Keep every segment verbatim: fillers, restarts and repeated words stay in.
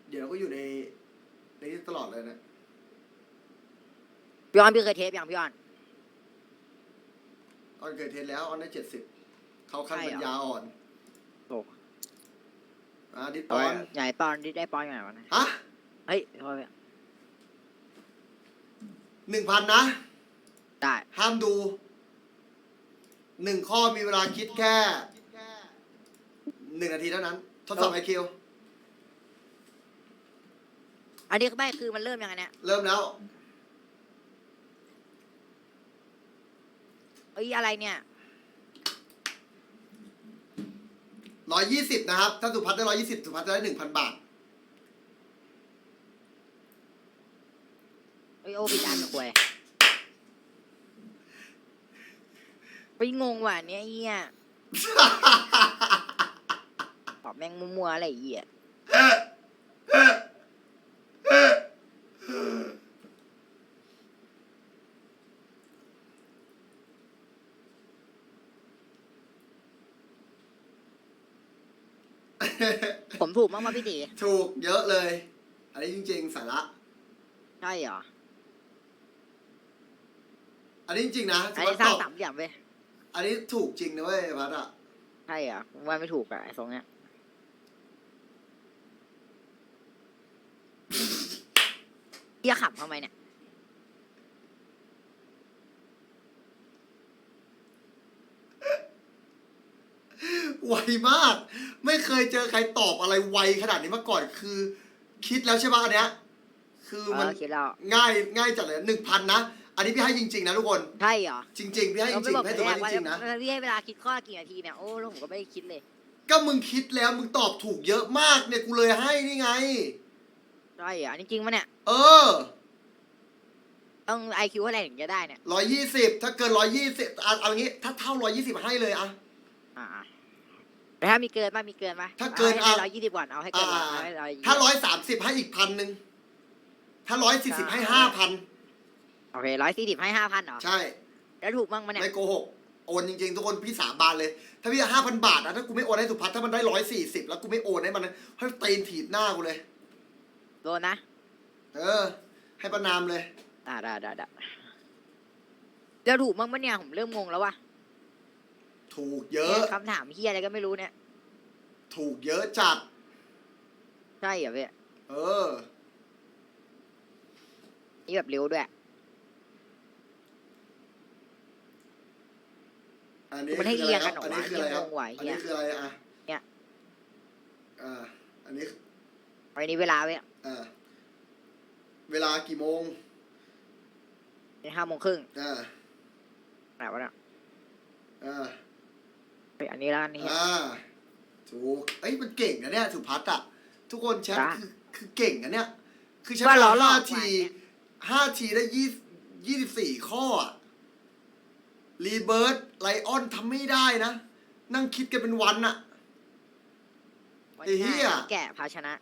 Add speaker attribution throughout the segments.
Speaker 1: เดี๋ยวก็อยู่ในในนี้ตลอดเลยนะ
Speaker 2: พี่ออนพี่เคยเทสยังพี่ออน
Speaker 1: ออนเกิดเทสแล้วออนได้เจ็ดสิบเขาขั้น
Speaker 2: ใช่
Speaker 1: ปั
Speaker 2: เหรอ
Speaker 1: ญญาอ่อน
Speaker 2: โอ้
Speaker 1: อ่าดิปอน
Speaker 2: ใหญ่ปอนที่ได้ปอนอยู่ไหนวะเนี่ย
Speaker 1: ฮะ
Speaker 2: เฮ้ยโทษพี่
Speaker 1: หนึ่งพันนะ
Speaker 2: ได้
Speaker 1: ห้ามดูหนึ่งข้อมีเวลาคิดแค่หนึ่งนาทีเท่านั้น ทดสอบไอคิว
Speaker 2: อันนี้ไม่คือมันเริ่มยังไงเนี่ย
Speaker 1: เริ่มแล้ว
Speaker 2: เอ้ยอะไรเนี่ย
Speaker 1: ร้อยยี่สิบนะครับ ถ้าสุพัฒน์ได้ร้อยยี่สิบสุพัฒน์จะได้หนึ่งพันบาท
Speaker 2: เอ้ยโอ้พี่จานควยไปงงว่ะเนี่ยไอ้เหี้ยตอบแม่งมัวๆอะไรไอ้เหี้ย ผมถูกมากมาพี่ตี
Speaker 1: ถูกเยอะเลย อันนี้จริงๆสาระ
Speaker 2: ใช่เหรอ
Speaker 1: อันนี้จริงๆนะ
Speaker 2: อัน
Speaker 1: สุ
Speaker 2: นี้
Speaker 1: พัฒน์
Speaker 2: สร้า
Speaker 1: ต
Speaker 2: ง
Speaker 1: อบ
Speaker 2: สามเหลี่ยมเว้ย
Speaker 1: อันนี้ถูกจริงนะเว้ยพัฒน์อะ
Speaker 2: ใช่เหรอผมว่าไม่ถูกอะไอ้ทรงเนี้ยเหี้ยขับทำไมเนี่ย
Speaker 1: ไวมาก ไม่เคยเจอใครตอบอะไรไวขนาดนี้มาก่อน คือ คิดแล้วใช่ปะอันเนี้ย คือ
Speaker 2: เอ
Speaker 1: มัน
Speaker 2: อคิดแล้ว
Speaker 1: ง่ายง่ายจัดเลยหนึ่งพันนะ อันนี้พี่ให้จริงๆนะทุกคน
Speaker 2: ใช่เหรอ
Speaker 1: จริง ๆ พี่ให้จ
Speaker 2: เรา
Speaker 1: ริ
Speaker 2: ไม่
Speaker 1: ง
Speaker 2: บอก
Speaker 1: ๆให้
Speaker 2: แต่
Speaker 1: ตัว
Speaker 2: แร
Speaker 1: มัน
Speaker 2: กว่า
Speaker 1: จริงๆนะ
Speaker 2: พี่ให้เวลาคิดข้อกี่นาทีเนี่ย โอ้แล้วผมก็ไม่ได้คิดเลย
Speaker 1: ก็มึงคิดแล้วมึงตอบถูกเยอะมากเนี่ยกูเลยให้นี่ไง
Speaker 2: ใช่เหรออันนี้จริงปะเนี่ย
Speaker 1: เออ
Speaker 2: ต้องไอคิวเท่าไหร่ถึงจะได้เนี่ย
Speaker 1: ร้อยยี่สิบถ้าเกินร้อยยี่สิบเอาเอางี้ ถ้าเท่าร้อยยี่สิบให้เลยอะ
Speaker 2: อ่าๆแต่ถ้ามีเกินป่ะมีเกินป่ะ
Speaker 1: ถ้าเกิน
Speaker 2: เอาให้
Speaker 1: อ่ะ
Speaker 2: ร้อยยี่สิบก่อนเอาให้เกินก่อน
Speaker 1: อ่า
Speaker 2: เอาให้ร้อยยี่สิบ
Speaker 1: ถ้าร้อยสามสิบให้อีกพันหนึ่งถ้าร้อยสี่สิบให้ห้าพัน
Speaker 2: โอเคร้อยสี่สิบให้ห้าพันเหรอ
Speaker 1: ใช่
Speaker 2: แล้วถูกมั้งมันเนี่ย
Speaker 1: ไม่โกหก โอนจริงๆ ทุกคนพี่สาบานเลย ถ้าพี่ห้าพันบาทนะถ้ากูไม่โอนให้สุพัฒน์ถ้ามันได้ร้อยสี่สิบแล้วกูไม่โอนให้มันนะให้ตีนถีบหน้ากูเลย
Speaker 2: โดนนะ
Speaker 1: เออ ให้ประนามเลย
Speaker 2: อ่าได้ได้ได้แล้วถูกมั้งปะเนี่ยผมเริ่มงงแล้วว่ะ
Speaker 1: ถูกเยอะ
Speaker 2: คำถามเฮียอะไรก็ไม่รู้เนี่ย
Speaker 1: ถูกเยอะจัด
Speaker 2: ใช่เหรอพี่
Speaker 1: เออ
Speaker 2: นี่แบบเร็วด้วย
Speaker 1: อันนี้
Speaker 2: มันให้
Speaker 1: คือ
Speaker 2: เอี
Speaker 1: อะไร
Speaker 2: ยง
Speaker 1: ค
Speaker 2: กั
Speaker 1: รั
Speaker 2: น
Speaker 1: บ
Speaker 2: เหรอ
Speaker 1: อันนี้คืออะไรครับ
Speaker 2: วะเอียงงงไหว
Speaker 1: อัน
Speaker 2: เฮีย
Speaker 1: นี้คืออะไรอ่ะ
Speaker 2: เนี่ย
Speaker 1: อ่า อันนี้
Speaker 2: อันนี้เวลาเว้ย
Speaker 1: อ่า เวลากี่โมง
Speaker 2: เป็นห้าโมงครึ่ง
Speaker 1: อ่า
Speaker 2: ไหนวะเนี่ย
Speaker 1: อ่า
Speaker 2: เฮ้ยอันนี้แล้วอันนี้
Speaker 1: อ่า ถูก เอ้ย มันเก่งนะเนี่ยสุพัฒน์อะทุกคนแชท
Speaker 2: จ้ะ
Speaker 1: คือ คือเก่งนะเนี่ย คือใช้
Speaker 2: ว่า
Speaker 1: เว
Speaker 2: ล้
Speaker 1: ลา
Speaker 2: อหลอก
Speaker 1: ห้า
Speaker 2: ว่ะ
Speaker 1: ที
Speaker 2: เนี่ย
Speaker 1: ห้าทีได้ยี่ยี่สิบสี่ข้ออะรีเบิร์ตไลออนทำไม่ได้นะ นั่งคิดกันเป็นวันอะ ไอ้เหี้ย
Speaker 2: แกะภาชนะ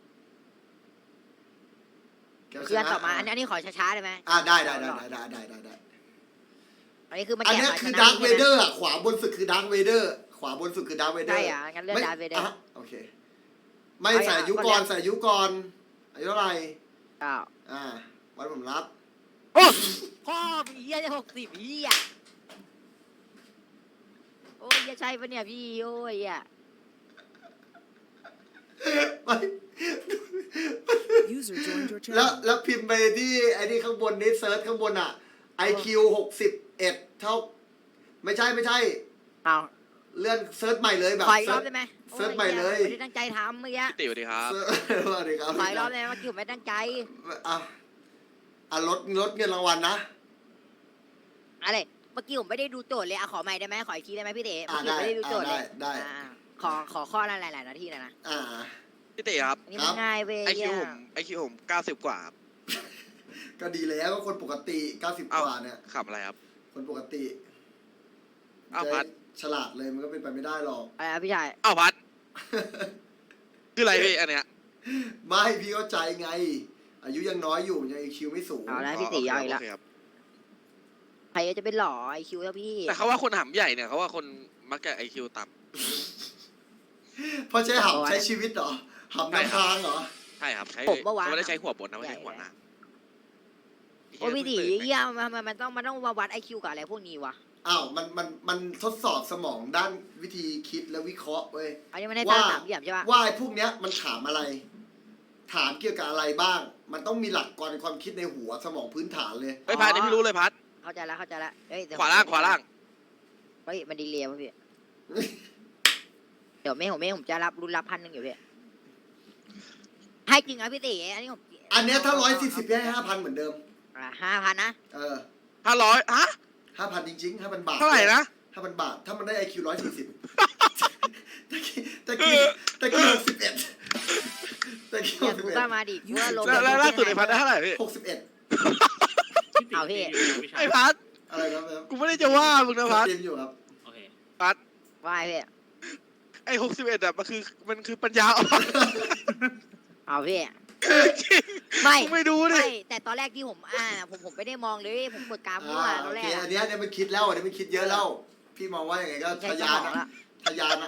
Speaker 1: แกช
Speaker 2: คืออัน
Speaker 1: นะ
Speaker 2: ต่อมาอันนี้อันนี้ขอช้าๆได้ไหม
Speaker 1: อ่าได้ได้ได้ได้ได้ได้ได้
Speaker 2: อันนี้คือมัน
Speaker 1: อัน
Speaker 2: แกะ
Speaker 1: เนี้ย
Speaker 2: ภาช
Speaker 1: คือ
Speaker 2: นะ
Speaker 1: ดาร์
Speaker 2: ใช่
Speaker 1: เว
Speaker 2: ไหม
Speaker 1: เดอร์อะขวาบนสุดคือดาร์ v เวเดอร์ขวาบนสุดคือดาร์ v เวเดอ
Speaker 2: ใช่
Speaker 1: ร์
Speaker 2: อ่ะงั้นเลื่อน Darth Vader
Speaker 1: โอเค ไม่
Speaker 2: เอาอย่าง
Speaker 1: ใส่อายุ
Speaker 2: ก็
Speaker 1: ก่อน
Speaker 2: แล้ว
Speaker 1: ใส่อายุก่อนอายุเท่าไหร่
Speaker 2: เก้า
Speaker 1: อ่า วันผมรับ
Speaker 2: โอ้พ่อพี่เฮียจะหกสิบพี่อ่ะโอ้ยจะใช่ปะเนี่ยพี่โอ้ยอ่ะ
Speaker 1: ไม่
Speaker 3: User joined your
Speaker 1: แล้ว
Speaker 3: channel.
Speaker 1: แล้วพิมพ์ไปที่ไอ้นี่ข้างบนนี้เซิร์ชข้างบนอ่ะ ไอ คิว หกสิบเอ็ดเท่า ไม่ใช่ไม่ใช่
Speaker 2: เอา
Speaker 1: เลื่อนเซิร์ชใหม่เลยแบบ
Speaker 2: ขออีกรอบ
Speaker 1: เซิร์ช
Speaker 2: ได้ไหม
Speaker 1: เซิร์ชใหม่เลย
Speaker 2: โอ้หี้ไม่ได้ตั้งใจทำเมื่อกี้
Speaker 4: พี่ติ๋วดีครับ
Speaker 1: เซิร์ชสวัสดีครับ
Speaker 2: ขออีกรอบได้ไหมเมื่อกี้ผมไม่ตั้งใจ
Speaker 1: อ่ะอ่ะลดลดเงินรางวัลนะ
Speaker 2: อะไรเมื่อกี้ผมไม่ได้ดูโจทย์เลยอ่ะขอใหม่ได้ไหมขออีกทีได้ไหมพี่เต๋
Speaker 1: อ่ะ
Speaker 2: เมื่อกี้ผมไม่ได้ดูโจทย์เลย
Speaker 1: ได้ได้
Speaker 2: อ่าขอขอข้อละหลายๆนาทีหนะนะ
Speaker 1: อ่า
Speaker 4: พี่ติ๋วครับ
Speaker 2: อันนี้มันง่ายเว้ย
Speaker 4: ไอคิว
Speaker 2: เหี้ย
Speaker 4: ผมไอคิวผมเก้าสิบกว่าครับ
Speaker 1: ก็ดีแล้วก็คนปกติเก้าสิบก
Speaker 4: เอ้า
Speaker 1: ว่าเนี่ย
Speaker 4: ขับอะไรครับ
Speaker 1: คนปกติ
Speaker 4: เอ้า
Speaker 1: จะ
Speaker 4: พัด
Speaker 1: ฉลาดเลยมันก็เป็นไปไม่ได้หรอก
Speaker 2: อะไรนะพี่ชาย
Speaker 4: เอ้าพัด คืออะไรพี่อันเนี้ย
Speaker 1: ไม่พี่เข้าใจไง อายุยังน้อยอยู่ยังไอคิวไม่สูง
Speaker 2: เอาละพี่ตีเอาอีกแล้ว
Speaker 4: โเคครับ
Speaker 2: ใครจะเป็นหล่อไอคิวแล้วพี่
Speaker 4: แต่เขาว่าคนหำใหญ่เนี่ยเขาว่าคนมักจะไอคิวต่
Speaker 1: เพราะใช้หำใช้ชีวิตเหรอหำ
Speaker 4: ใช่
Speaker 1: นำ
Speaker 4: ครับ
Speaker 1: ทางเหรอ
Speaker 4: ำใช่ครับใช้
Speaker 2: ผมเมื่อวาน
Speaker 4: ไม่ได้ใช้หัวบนนะไม่ใช้หัวหน้า
Speaker 2: โอ้พี่ตีเหี้ยมันมันมันต้องมันต้องมาวัดไอคิวกับอะไรพวกนี้วะ
Speaker 1: อ้าวมันมันมันทดสอบสมองด้านวิธีคิดและวิเคราะห์เว้ย
Speaker 2: อันนี้มันได้
Speaker 1: ว่า
Speaker 2: ตามสามเหลี่ยมใช่ปะ
Speaker 1: ว่าไอ้พวกเนี้ยมันถามอะไร ถามเกี่ยวกับอะไรบ้าง มันต้องมีหลักกรความคิดในหัวสมองพื้นฐานเลย
Speaker 4: ไอ้ยพัดนี่พี่รู้เลยพัด
Speaker 2: เข้าใจแล้วเข้าใจแล้วเฮ้ยเดี๋ย
Speaker 4: ขวาล่างขวาล่าง
Speaker 2: เฮ้ยมันดีเลยป่ะพี่ เดี๋ยวเมฆผมเมฆผมจะรับรุ่นรับพันหนึ่งอยู่พี่ให้จริงอ่ะพี่ตีอันนี้ผม
Speaker 1: อันเนี้ยถ้าร้อยสี่สิบให้ห้าพันเหมือนเดิม
Speaker 2: อ่าห้าพันนะ
Speaker 1: เออ
Speaker 4: ห้าร้อยฮะ
Speaker 1: ห้าพันจริงๆห้าพันบาท
Speaker 4: เท่าไหร่นะ
Speaker 1: ห้าพันบาท ถ้ามันได้ไอคิวร้อยสี่สิบตะกี้ตะกี้ตะกี้หกสิบเอ็ดตะกี้
Speaker 2: อ
Speaker 1: ห
Speaker 2: ยาก
Speaker 1: กสิบ
Speaker 2: รู้
Speaker 1: เอ็ด
Speaker 2: ก็มาดิกูว่าลง
Speaker 4: แล้วแล้วล่าสุดไอ้พัดได้เท่าไหร่พี่
Speaker 1: หกสิบเอ็ด
Speaker 2: เอาพี่
Speaker 4: ไอ้พัด
Speaker 1: อะไรครับครับ
Speaker 4: กูไม่ได้จะว่ามึงนะพัด
Speaker 1: เตรียมอยู่ครับ
Speaker 3: โอเค
Speaker 4: พัด
Speaker 2: ว่าไอ้พี่
Speaker 4: ไอ้หกสิบเอ็ดอะมันคือมันคือปัญญาอ่อน
Speaker 2: เอาพี่
Speaker 4: จริง
Speaker 2: ไม่
Speaker 4: มึงไม่ดูดิ
Speaker 2: ไม่แต่ตอนแรกที่ผมอ่านอะผมผมไม่ได้มองเลยผมกดกราฟมั่ว
Speaker 1: อ่า
Speaker 2: ต
Speaker 1: โอ
Speaker 2: อนแร
Speaker 1: เค
Speaker 2: ก
Speaker 1: อั
Speaker 2: อะ
Speaker 1: นเนี้ยเนี่ยมันคิดแล้วอันนี้มันคิดเยอะแล้ว พี่มองว่าอย่างไงก็
Speaker 2: ใช้
Speaker 1: ทะ
Speaker 2: ส
Speaker 1: ยาม น
Speaker 2: อง
Speaker 1: อะ
Speaker 2: ละ
Speaker 1: ทะยานอะ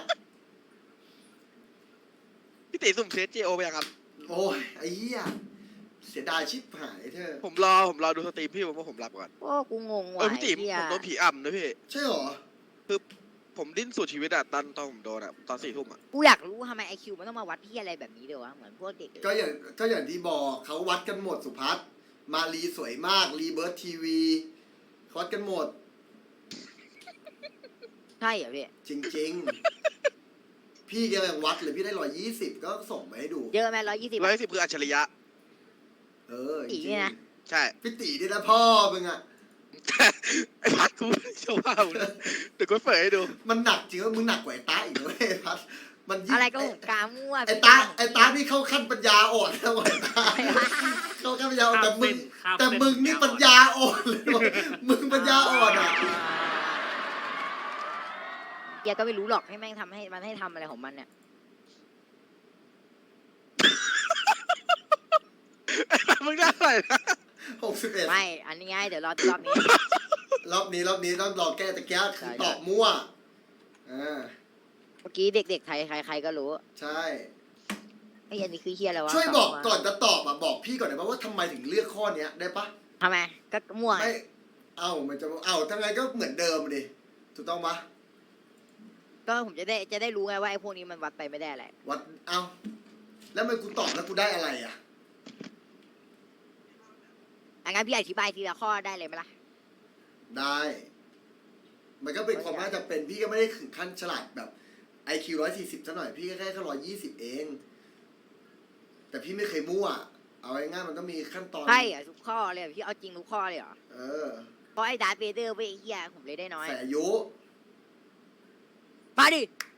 Speaker 4: พี่ตีสุ่มเซตเจโอไปยังครับ
Speaker 1: โอ้ยไอ้เหี้ยเสียดายชิบหายเธอ
Speaker 4: ผมรอผมรอดูสตรีมพี่ผมว่าผมรับก่อน
Speaker 2: โอ้กูงง
Speaker 4: เอ
Speaker 2: ว่ะ
Speaker 4: อพี่ตี
Speaker 2: ไอ้เหี้ย
Speaker 4: ผมโดนผีอ่ำนะพี่
Speaker 1: ใช่หรอ
Speaker 4: ผมดิ้นสุดชีวิตอะตอนตอนผมโดนอะตอนสี่ทุ่มอะ
Speaker 2: กูอยากรู้ทำไมไอคิวมันต้องมาวัดที่อะไรแบบนี้เดี๋ยววะเหมือนพวกเด็กเลย
Speaker 1: ก็อย่างก็อย่างที่บอกเขาวัดกันหมดสุพัฒน์มารีสวยมากรีเบิร์ตทีวีวัดกันหมด
Speaker 2: ใช่เหรอพี่
Speaker 1: จริง ๆ พี่แกยังวัดเลยพี่ได้ร้อยยี่สิบก็ส่งมาให้ดู
Speaker 2: เยอะไหมร้อยยี่สิบ
Speaker 4: ร้อยสิบคืออัจฉริยะ
Speaker 1: เออ
Speaker 2: อี
Speaker 1: จริ
Speaker 2: นี่
Speaker 1: ง
Speaker 2: นะ
Speaker 4: ใช่
Speaker 1: ๆพี่ตีนี่นะพ่อมึงอะ
Speaker 4: ไอ้พัดกูไม่ได้จะว่ามึงนะเดี๋ยวกูเปิดให้ดู มัน
Speaker 1: หนักจริงว่ามึงหนักกว่าไอ้ตาอีกนะเว้ยพัดมันยิ่ง
Speaker 2: อะไรก็ผมกามั่ว
Speaker 1: ไอ้ตาไอ้ตานี่เข้าขั้นปัญญาอ่อนแล้วไอ้ตาเข้าขั้นปัญญาอ่อนแต่มึง
Speaker 3: ข้ามเส้น
Speaker 1: แต่มึงนี่ปัญญาอ่อนเลยว่ะมึงปัญญาอ่อนอ่ะ
Speaker 2: เกียก็ไม่รู้หรอกให้แม่งทำให้มันให้ทำอะไรของมันเนี่ย
Speaker 4: มึงได้เท่าไหร่นะ
Speaker 1: หกสิบเอ็ด
Speaker 2: ไม่อันนี้ไงเดี๋ยวรอรอบนี้
Speaker 1: รอบนี้รอบนี้ต้องรอแก้ตะแก้คือ
Speaker 2: ใช่
Speaker 1: ตอบมั่วอ่า
Speaker 2: เมื่อกี้เด็กๆไทยใครใครก็รู้
Speaker 1: ใช่
Speaker 2: ไอ้ยันนี่คือเฮียอะไรวะ
Speaker 1: ช่วยบอก
Speaker 2: ตมา
Speaker 1: ก่อนจะตอบอ่ะบอกพี่ก่อนได้ปะว่าทำไมถึงเลือกข้อเนี้ยได้ปะ
Speaker 2: ทำไมก็มั่วไง
Speaker 1: ไม่เอ้ามันจะเอ้าทั้งไงก็เหมือนเดิมดิถูกต้องปะ
Speaker 2: ก็ผมจะได้จะได้รู้ไงว่าไอ้พวกนี้มันวัดไปไม่ได้อะไร
Speaker 1: วัดเอ้าแล้วมันกูตอบแล้วกูได้อะไรอ่ะ
Speaker 2: อังั้นพี่อธิบายทีละข้อได้เลยไหมล่ะ
Speaker 1: ได้ มันก็เป็นความน่าจะเป็นพี่ก็ไม่ได้ถึงขั้นฉลาดแบบ ไอ คิว ร้อยสี่สิบซะหน่อย พี่ก็แค่แค่ร้อยยี่สิบเอง แต่พี่ไม่เคยมั่ว เอาง่ายๆมันต้องมีขั้นตอน
Speaker 2: ใช่เหรอทุกข้อเลยเหรอพี่เอาจริงทุกข้อเลยเหรอ
Speaker 1: เออ
Speaker 2: เพราะไอ้ดาร์ธเวเดอร์ไปไอ้เฮียผมเลยได้น้อย
Speaker 1: แสอายุ
Speaker 2: มาดิ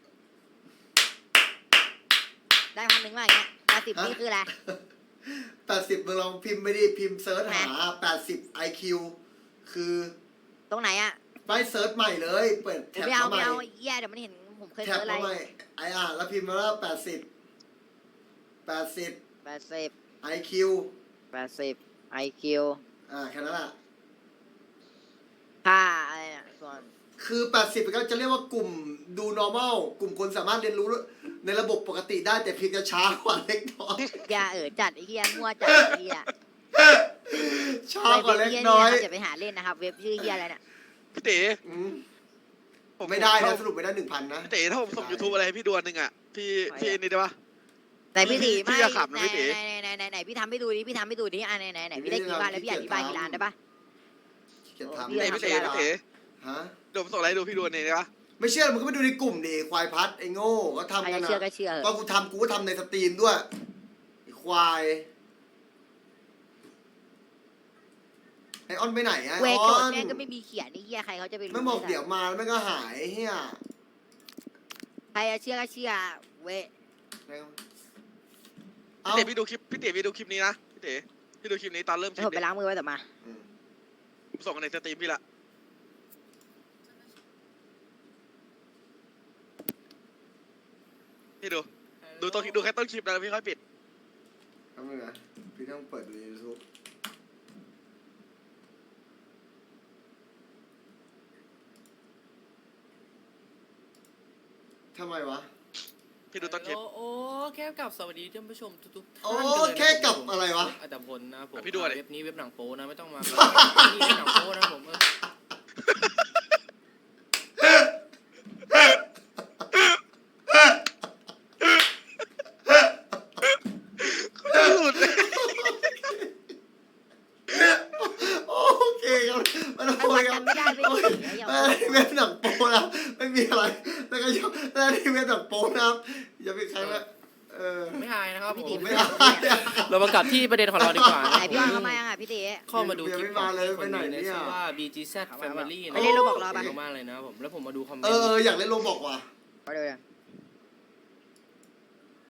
Speaker 2: ได้พันหนึ่งว่าอย่างเงี้ยแปดสิบนี่คืออะไร
Speaker 1: แปดสิบมึงลองพิมพ์ไปดิ พิมพ์เซิร์ชหาแปดสิบ ไอ คิว คือ
Speaker 2: ตรงไหนอ่ะ
Speaker 1: ไปเซิร์ชใหม่เลย เปิด
Speaker 2: ผม
Speaker 1: แท็บ
Speaker 2: ไม่เอา
Speaker 1: มาให
Speaker 2: ไม่
Speaker 1: ม่
Speaker 2: เอาไอ้เฮียเดี๋ยวมันเห็นผมเคย
Speaker 1: แท็
Speaker 2: เจ
Speaker 1: บ
Speaker 2: ออะไร
Speaker 1: มาใหม่ไออ่านแล้วพิมพ์มาว่าแปดสิบ แปดสิบ
Speaker 2: แปดสิบ
Speaker 1: ไอ คิว
Speaker 2: แปดสิบไอคิว
Speaker 1: อ่าแค่นั้นแหละ
Speaker 2: ค่าอะไรเนี่ยส่วน
Speaker 1: คือ แปดสิบก็จะเรียกว่ากลุ่มดู normal กลุ่มคนสามารถเรียนรู้ในระบบปกติได้แต่เพียงจะช้ากว่าเล็กน้อย
Speaker 2: อย่าเออจัดไอ้เฮียมั่วจัดไอ้เฮีย
Speaker 1: ช้ากว่าเล็ก
Speaker 2: ว็บ
Speaker 1: น้อย
Speaker 2: เฮียเนี่ยครับอย่าไปหาเล่นนะครับ เว็บชื่อเฮียอะไรเนี่ย
Speaker 4: พี่ตี
Speaker 1: อืมไม่ได้นะสรุปไม่ได้หนึ่งพันนะ
Speaker 4: พี่ตีถ้าผมส่งยูทูบอะไรให้พี่ดวนหนึ่งอะพี่พี่นี่ได้ปะ
Speaker 2: แต่พี่ตี
Speaker 4: พี่
Speaker 2: ไม่
Speaker 4: อย่าขำนะ
Speaker 2: ไหน
Speaker 4: พี่ตี
Speaker 2: ไหนไหนไหนไหนพี่ทำให้ดูดิพี่ทำให้ดูดิอ่ะไหนไหนไหนพี่ได้กี่บ้านแล้วพี่อธิบายกี่ล้านได้ปะ
Speaker 1: ขี้เกียจ
Speaker 2: โอ้
Speaker 1: ทำ
Speaker 2: พี่
Speaker 4: พี่ตี
Speaker 2: ทำ
Speaker 4: พี่ตี
Speaker 2: ไม่ได้หรอ
Speaker 4: พี่ตี
Speaker 1: ฮะ
Speaker 4: เดี๋ยวผมส่งอะไรให้ดูพี่ดวนเองได้ปะ
Speaker 1: ไม่เชื่อมึงก็ไปดูในกลุ่มดิควายพัดไอ้โง่ก็
Speaker 2: ใคร
Speaker 1: ทำกั
Speaker 2: จะ
Speaker 1: น
Speaker 2: เชื่อ
Speaker 1: นะ
Speaker 2: ก็เชื่อเถ
Speaker 1: ตอน
Speaker 2: อะ
Speaker 1: กูทำกูก็ทำในสตรีมด้วยไอ้ควายไอออนไปไหนอะ
Speaker 2: เว
Speaker 1: ไอ
Speaker 2: โจ
Speaker 1: อ
Speaker 2: ท
Speaker 1: อน
Speaker 2: ย์แม่งก็ไม่มีเขียนนี่เฮียใครเขาจะไปรู้
Speaker 1: ไม่บอกเดี๋ยวมาแล้วแม่งก็หายเฮีย
Speaker 2: ใครจะเชื่อก็เชื่อเวย
Speaker 1: เอา
Speaker 4: พี่ตีพี่ดูคลิปพี่ตีพี่ดูคลิปนี้นะพี่ตีพี่ดูคลิปนี้ตอนเริ่มคลิ
Speaker 2: ผ
Speaker 4: ป
Speaker 2: มไป
Speaker 4: นี้
Speaker 2: ล้างมือไว้แต่มา
Speaker 1: อืม
Speaker 4: ผมส่งในสตรีมพี่ละพี่ดูดูต้นดูแค่ต้นคลิปแล้วพี่ค่อยปิด
Speaker 1: ทำไมนะพี่ต้องเปิดดูยูทูบทำไมวะ
Speaker 4: พี่พี่ดูต้นคลิป
Speaker 3: โอ้แค่กับสวัสดีท่านผู้ชมทุกๆ
Speaker 1: โอ้
Speaker 3: ท่านกันเลยนะ
Speaker 1: แค่กับอะไรวะ
Speaker 3: อัตพลนะครับผม
Speaker 4: อ่ะพี่ดูอะไร
Speaker 3: เว็บนี้เว็บหนังโป๊นะไม่ต้องมานี่เว็บหนังโป๊นะผมเออ
Speaker 4: หลุดเลย
Speaker 1: โอเคครับมัน
Speaker 2: ไอ้
Speaker 1: โอ้
Speaker 2: วั
Speaker 1: ย
Speaker 2: น
Speaker 1: ครั
Speaker 2: กับ นไม่ได้พี่อย่า
Speaker 1: แม่ที่เว็บหนังโป๊นะไม่มีอะไรแล้วก็ยกแม่ที่เว็บหนังโป๊นะครับอย่าไปใครว่าเออ
Speaker 3: ไม่หายนะครับผ
Speaker 1: ผม
Speaker 3: ม
Speaker 1: ไม่ได้อะ
Speaker 3: เรามากลับที่ประเด็นของเราดีกว่า
Speaker 2: ไหนพี่ว่าเขามายังอ่ะพี่ตี
Speaker 3: เข้ามาดูคลิป
Speaker 1: ยังไม่
Speaker 3: ขอ
Speaker 1: มาง เลย
Speaker 3: คน
Speaker 1: ไปไหน
Speaker 3: นี้
Speaker 1: เนี่ย
Speaker 3: ชื่อว่า บี จี แซด Family
Speaker 2: ไม่ได้เราบอกเรา
Speaker 3: ข
Speaker 2: ปะ
Speaker 3: อบคุณมากเลยนะครับผมแล้วผมมาดูคอมเมน
Speaker 1: เอ
Speaker 3: ต์
Speaker 1: อเอออยากเล่นโรบอกว่ะ
Speaker 2: มาดูเลย